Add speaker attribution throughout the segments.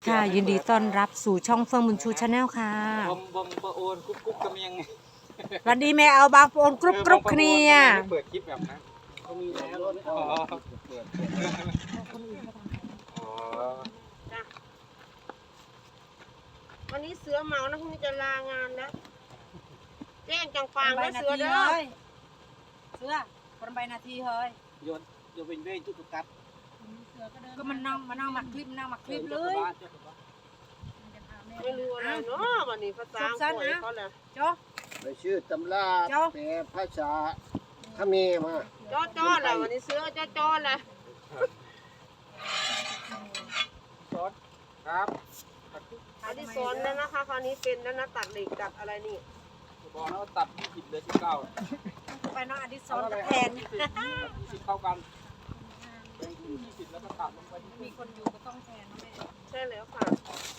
Speaker 1: ค่ะ ยินดีต้อนรับสู่ช่องเฟื่องบุญชูชาแนลค่ะ
Speaker 2: บอมปะโอนกุ๊บกุ๊บกระเมียง
Speaker 1: สวัสดีแม่เอาบางโอนกรุบกรุบเคลีย
Speaker 2: เปิดคลิปแบบนั้นเขามีแล้วอ๋อเปิดอ๋อ
Speaker 3: วันนี้เสือเมานะพรุ่งนี้จะลางานแล้วแจ้งจังฟางนะเสือเด้อ
Speaker 4: เสือคนใบนาทีเฮ้ย
Speaker 2: โยนเป็นเว้ยจุกกัด
Speaker 4: ก็มันนั่งมานั่งหมักคลิปนั่งหมักคลิปเลย
Speaker 3: ไม่รู้อะไรเนาะวันนี้ภาษาอังกฤษเขาแหละ
Speaker 4: โจ้
Speaker 5: ไปชื่อตำราแปลภาษาเขมรมา
Speaker 3: จ้อแหละวันนี้เสือจ้อแหละ
Speaker 2: ซอสครับ
Speaker 3: อันนี้สอนแล้วนะคะคราวนี้เป็นแล้วนะตัดเหล็กตัดอะไรนี่
Speaker 2: บอกแล้วตัด20เหลือ19
Speaker 4: ไปน้องอดิศรแทน
Speaker 2: 20เข้ากันแบ่งครึ่ง20แล้วก็ตัดลงไปที่
Speaker 4: มีคนอยู่ก็ต้องแทนนะแม่
Speaker 3: ใช่แล้วค่ะ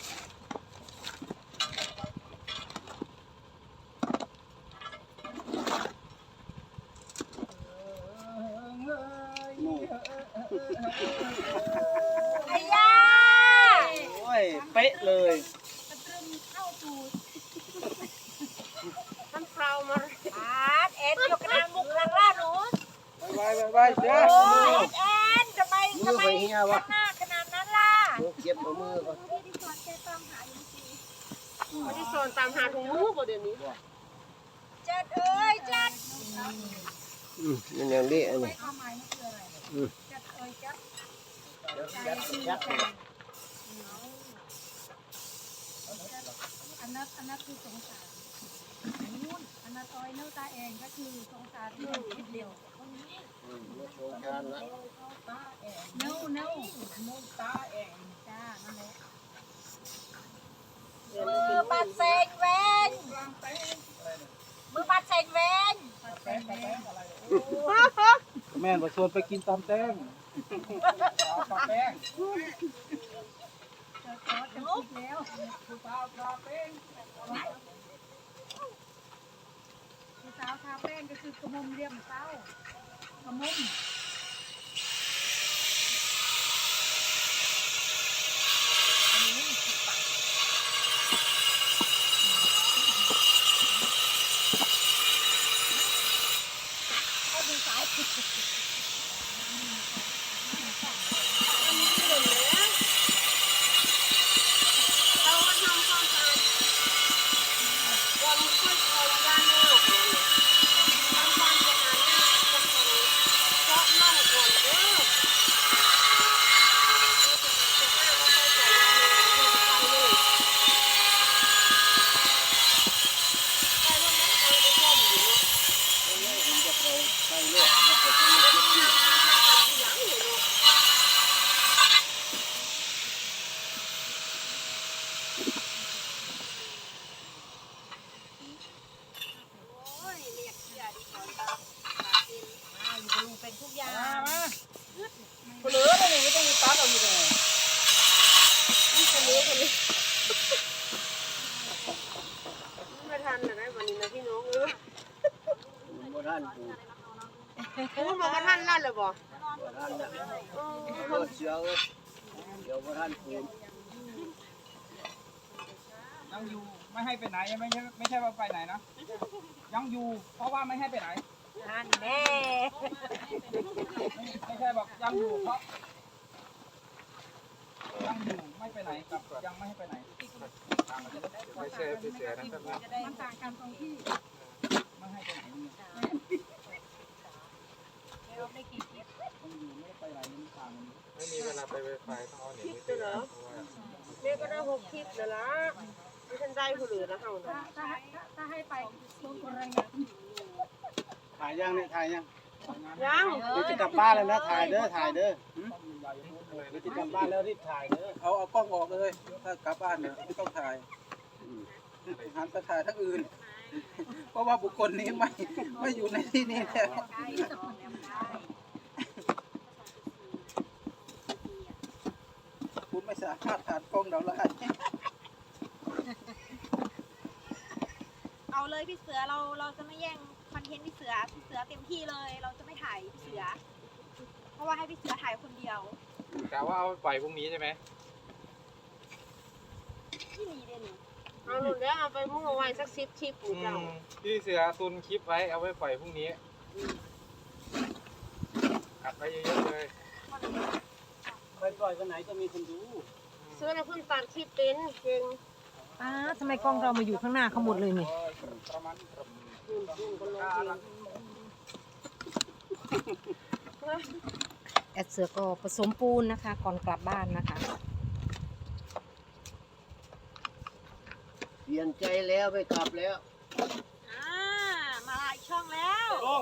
Speaker 4: ไอ้ย่า
Speaker 2: โอ้ยเป๊ะเลย
Speaker 4: กระตรึมเข้าตูด
Speaker 3: ท่านพราวมา
Speaker 4: อาร์ตแอนยกกระดานมุกข้างล่างหนู
Speaker 2: ไปเดี๋ยว
Speaker 4: โอ้ยแอนทำไม
Speaker 5: มือไปเฮียวะ
Speaker 4: หน้าขนาดนั้นล่ะ
Speaker 5: เก็บเอามือก่อน
Speaker 3: วันที่สอนตามหาถุงมือบ่เดี๋ยวนี้
Speaker 4: จัดเอ้ยจัด
Speaker 5: มันอย่างนี้อันนี้
Speaker 4: ความหมายมันคืออะไรจัดเอ้ยจัด
Speaker 5: ยัด
Speaker 4: อันนั้นคือสงสารนู่นอันนั้นอ้อยเนื้อตาเองก็คือสงสารที่มันคิดเร็ว
Speaker 5: โชว์การละ
Speaker 4: เนื้อนุ่มตาเองจ้านั่นแหละ มือปัดเซงเวนมือปัดเซงเวน
Speaker 2: แม่นว่าชวนไปกินตำแตงตำแตง
Speaker 4: ลุกแล้วผู้สาวทาแป้งก็คือกระมุมเรียมเต้ากระมุมเอาดูสายผิด
Speaker 3: เรามาทำความสะอาดวันค่อยทำด้านนอกเลยทำความสะอาดหน้าจะทำเพราะน่องก่อนเด้อ
Speaker 5: ผมจะเอาใส่เลือดแล้วก็จะไม่เก็บอยู่
Speaker 4: ลุงเป็นทุกอย่าง
Speaker 2: มาเหลือเลยไม่ต้องมีตัดเอาอยู่เลย
Speaker 3: ไม่ทันเลยนะวันนี้นะพี่น้อง
Speaker 5: บ่ท่านปู
Speaker 3: พูดมาว่าท่านลั่นเลยบ่
Speaker 5: บ่ท่านนะรถเสือเดี๋ยวบ่ท่านปู
Speaker 2: ยังอยู่ไม่ให้ไปไหนไม่ใช่ว่าไปไหนนะยังอยู่เพราะว่าไม่ให้ไปไหน
Speaker 4: นั่นแน่
Speaker 2: ไม่ใช่บอกยังอยู่เพราะยังอยู่ไม่ไปไหนกับยังไม่ให้ไปไหนไม่ใช่ไปเสียนะครับ
Speaker 4: มันต่างกันตรงที่
Speaker 2: ไม่ให้ไปไหนเนี่ย
Speaker 4: เราได้กี่คลิป
Speaker 2: ต้องอยู่ไม่ไปไหนมันต่างกัน
Speaker 6: ไม่มีเวลาไปไวไฟต้องเอาเน็ต
Speaker 3: คิด
Speaker 6: มือ
Speaker 3: เหร
Speaker 6: ถื
Speaker 3: อ
Speaker 6: อเพราะว่า
Speaker 3: แม่ก็ได้6คลิปแล้วล่ะไม่ทันได้ผู้เหลือแล้วเฮานะ
Speaker 4: ถ้าให้ไปลงอะไรนะ
Speaker 5: ถ่ายยังเนี่ยถ่ายยัง
Speaker 3: ยัง
Speaker 5: เดี๋ยวจะกลับบ้านแล้วนะถ่ายเด้อถ่ายเด้อเดี๋ยวจะกลับบ้านแล้วรีบถ่ายเด้อ
Speaker 7: เอากล้องออกเลยถ้ากลับบ้านเนี่ยไม่ต้องถ่ายหันไปถ่ายทั้งอื่น เพราะว่าบุคคลนี้ไม่อยู่ในที่นี้แล้วคุณไม่สามารถถ่ายกล้องเราได้
Speaker 8: เอาเลยพี่เสือเราจะไม่แย่งคอนเทนต์พี่เสือเต็มที่เลย เราจะไม่ถ่ายพี่เสือ เพราะว่าให้พี่เสือถ่ายคนเดียว
Speaker 6: กะว่าเอาไปปล่อยพรุ่งนี้ใช่ไหม
Speaker 3: เอาหลุดแล้วเอาไปมุ่งเอาไว้สัก10 ชิปหรือเปล่า
Speaker 6: พี่เสือตุนคลิปไว้เอาไว้ปล่อยพรุ่งนี้อัดไว้เยอะๆเลย
Speaker 5: ไปปล่อยวันไหนก็มีคนดู
Speaker 3: ซื้อแล้วเพิ่งตัดคลิปเป็นเก่ง
Speaker 1: อ้าทำไมกล้องเรามาอยู่ข้างหน้าเขาหมดเลยนี่ แอดเสือก็ผสมปูนนะคะ ก่อนกลับบ้านนะคะ
Speaker 5: เปลี่ยนใจแล้วไม่กลับแล้ว
Speaker 8: มาอีกช่องแล้ว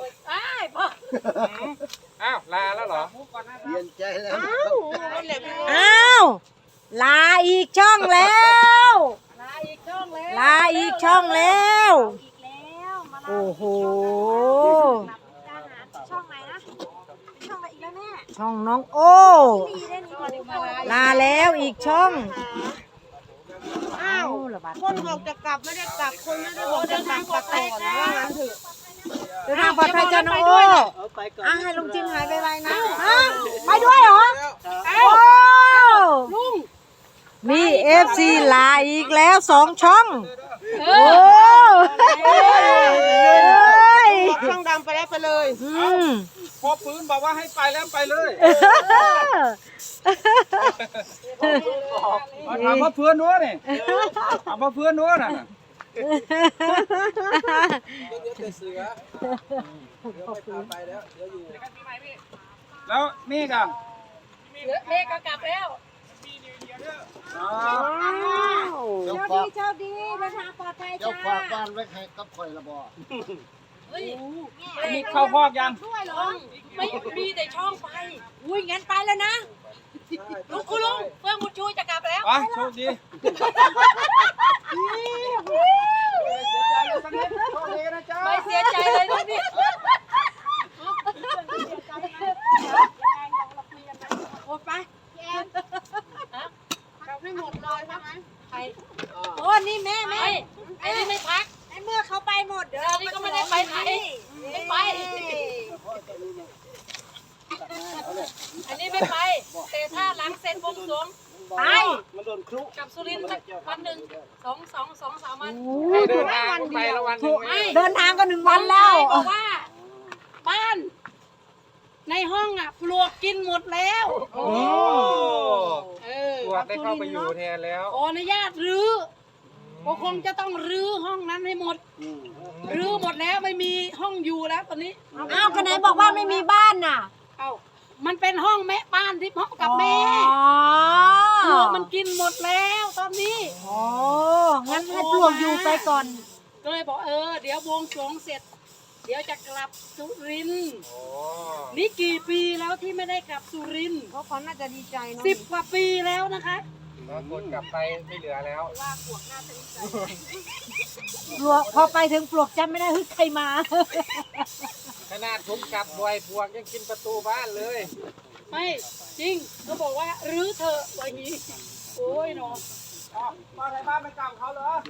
Speaker 6: อ้าวลาแล้วเหรอ
Speaker 5: เปลี่ยนใจแล้ว
Speaker 1: อ้าว ลาอีกช่องแล้ว ลาอีกช่องแล้ว
Speaker 8: อีกแล้วมาลา
Speaker 1: โอ้โห
Speaker 8: อาหารช่องไหนนะเป็นช่องอะไรอีกแล้วแม่
Speaker 1: ช่องน้องโอ้
Speaker 8: ดีได้นี่ก่อนดีกว่า
Speaker 1: ลาแล้วอีกช่อง
Speaker 3: อ้าว
Speaker 1: ระบาด
Speaker 3: คนบอกจะกลับไม่ได้กลับคนไม่ได้บอกจะกลับกลับก่อนว่างั้นเถอะ
Speaker 1: เดินทางปลอดภัยจ้าน้องโอ้
Speaker 5: เอาไปก่อน
Speaker 1: อ่ะให้ลุงจิมหายไปไวๆนะฮะไปด้วยเหรอ โอ้ลุงมีFC ลาอีกแล้ว2 ช่อง โอ้ย
Speaker 3: บอกช่องดำไปแล้วไปเลย
Speaker 1: อืม
Speaker 2: พอปืนบอกว่าให้ไปแล้วไปเลยถามว่าเพื่อนนู้นนี่ถามว่าเพื่อนนู้นน่ะ
Speaker 7: เดี๋ยวแต่เสือเดี๋ยวไม่พาไปแล้วเดี๋ยวอยู่
Speaker 2: แล้วนี่กัน
Speaker 4: เลขก็กลับแล้ว
Speaker 5: เจ้า
Speaker 8: โชค
Speaker 5: ฝา
Speaker 8: ดี
Speaker 5: ก
Speaker 8: โชคดีเดินทางปลอดภัย
Speaker 5: เจ้า
Speaker 8: จ้า
Speaker 5: ฝากบ้านไว้ให้กับข่อยละบ่
Speaker 2: นี่เข้าพอกยัง
Speaker 8: ด้วยเหรอ
Speaker 4: ไม่มีแต่ช่องไป อุ้ยงั้นไปแล้วนะลุงคุณลุงเพื่อนคุณชูจะกลับแล้ว
Speaker 2: ไปโชคดีโชคดีนะจ๊ะ
Speaker 4: ไม่เสียใจเลยนะเนี่ย
Speaker 8: โอ้ไปแอน
Speaker 3: กลับให้หมดเลยใช่ไหม
Speaker 4: ใคร
Speaker 8: โอ้นี่แม่
Speaker 4: ไอ้นี่ไม่พัก
Speaker 8: ในเมื่อเขาไปหมดเดี๋ยว
Speaker 4: อันนี้ก็ไม่ได้ไปไหนไม่ไป อันนี้ไม่ไป แต่ถ้าหลังเสร็จวงสรวงไป
Speaker 5: มันโดนครุ
Speaker 4: กับสุรินทร์สักวันหนึ่ง2-3 วัน
Speaker 6: ให้เดินทางไปละวันหนึ่ง
Speaker 4: ไม่
Speaker 1: เดินทางก็1 วันแล้ว
Speaker 4: บอกว่า บ้าน ในห้องอ่ะปลวกกินหมดแล้ว
Speaker 6: โอ้ ปวดได้เข้าไปอยู่แทนแล้ว
Speaker 4: ขออนุญาตรื้อก็คงจะต้องรื้อห้องนั้นให้หมด รื้อหมดแล้วไม่มีห้องอยู่แล้วตอนนี้
Speaker 1: อ้าวก็ไหนบอกว่าไม่มีบ้านน่ะ
Speaker 4: เอ้ามันเป็นห้องแม่บ้านที่พ่อกับแม่
Speaker 1: อ๋อ
Speaker 4: ปลวกมันกินหมดแล้วตอนนี้
Speaker 1: โอ้งั้นให้ปลวกอยู่ไปก่อน
Speaker 4: ก็เลยบอกเดี๋ยวบวงสรวงเสร็จ เดี๋ยวจะกลับสุรินทร์
Speaker 6: โอ้
Speaker 4: นี่กี่ปีแล้วที่ไม่ได้กลับสุรินทร์
Speaker 3: เขาน่าจะดีใจเนาะ
Speaker 4: 10 กว่าปีแล้วนะคะ
Speaker 6: แล้วคนกลับไปไม่เหลือแล้ว
Speaker 1: ปลวกพอไปถึงปลวกจำไม่ได้เฮ้ยใครมา
Speaker 6: ขนาดผมกลับบ่อยปวกยังกินประตูบ้านเลย
Speaker 4: ไม่จริงเขาบอกว่ารื้อเถอะว่าอย่างนี้โอ้ยเนาะ
Speaker 2: มาในบ้านไม่กลับเขาเหรอ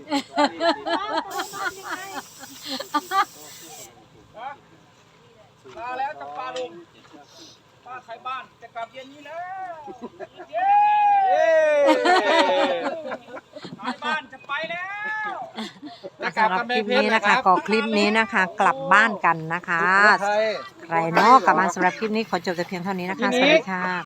Speaker 2: มาแล้วจะปลาลุงป้าไทยบ้านจะกลับเย็นนี้แล้วเย้ไทยบ้านจะไปแล้ว
Speaker 1: สำหรับคลิปนี้นะคะก็คลิปนี้นะคะ กลับบ้านกันนะคะ
Speaker 6: ไทย
Speaker 1: ใครเนาะกลับมาสำหรับคลิปนี้ขอจบแต่เพียงเท่านี้นะคะ สวัสดีค่ะ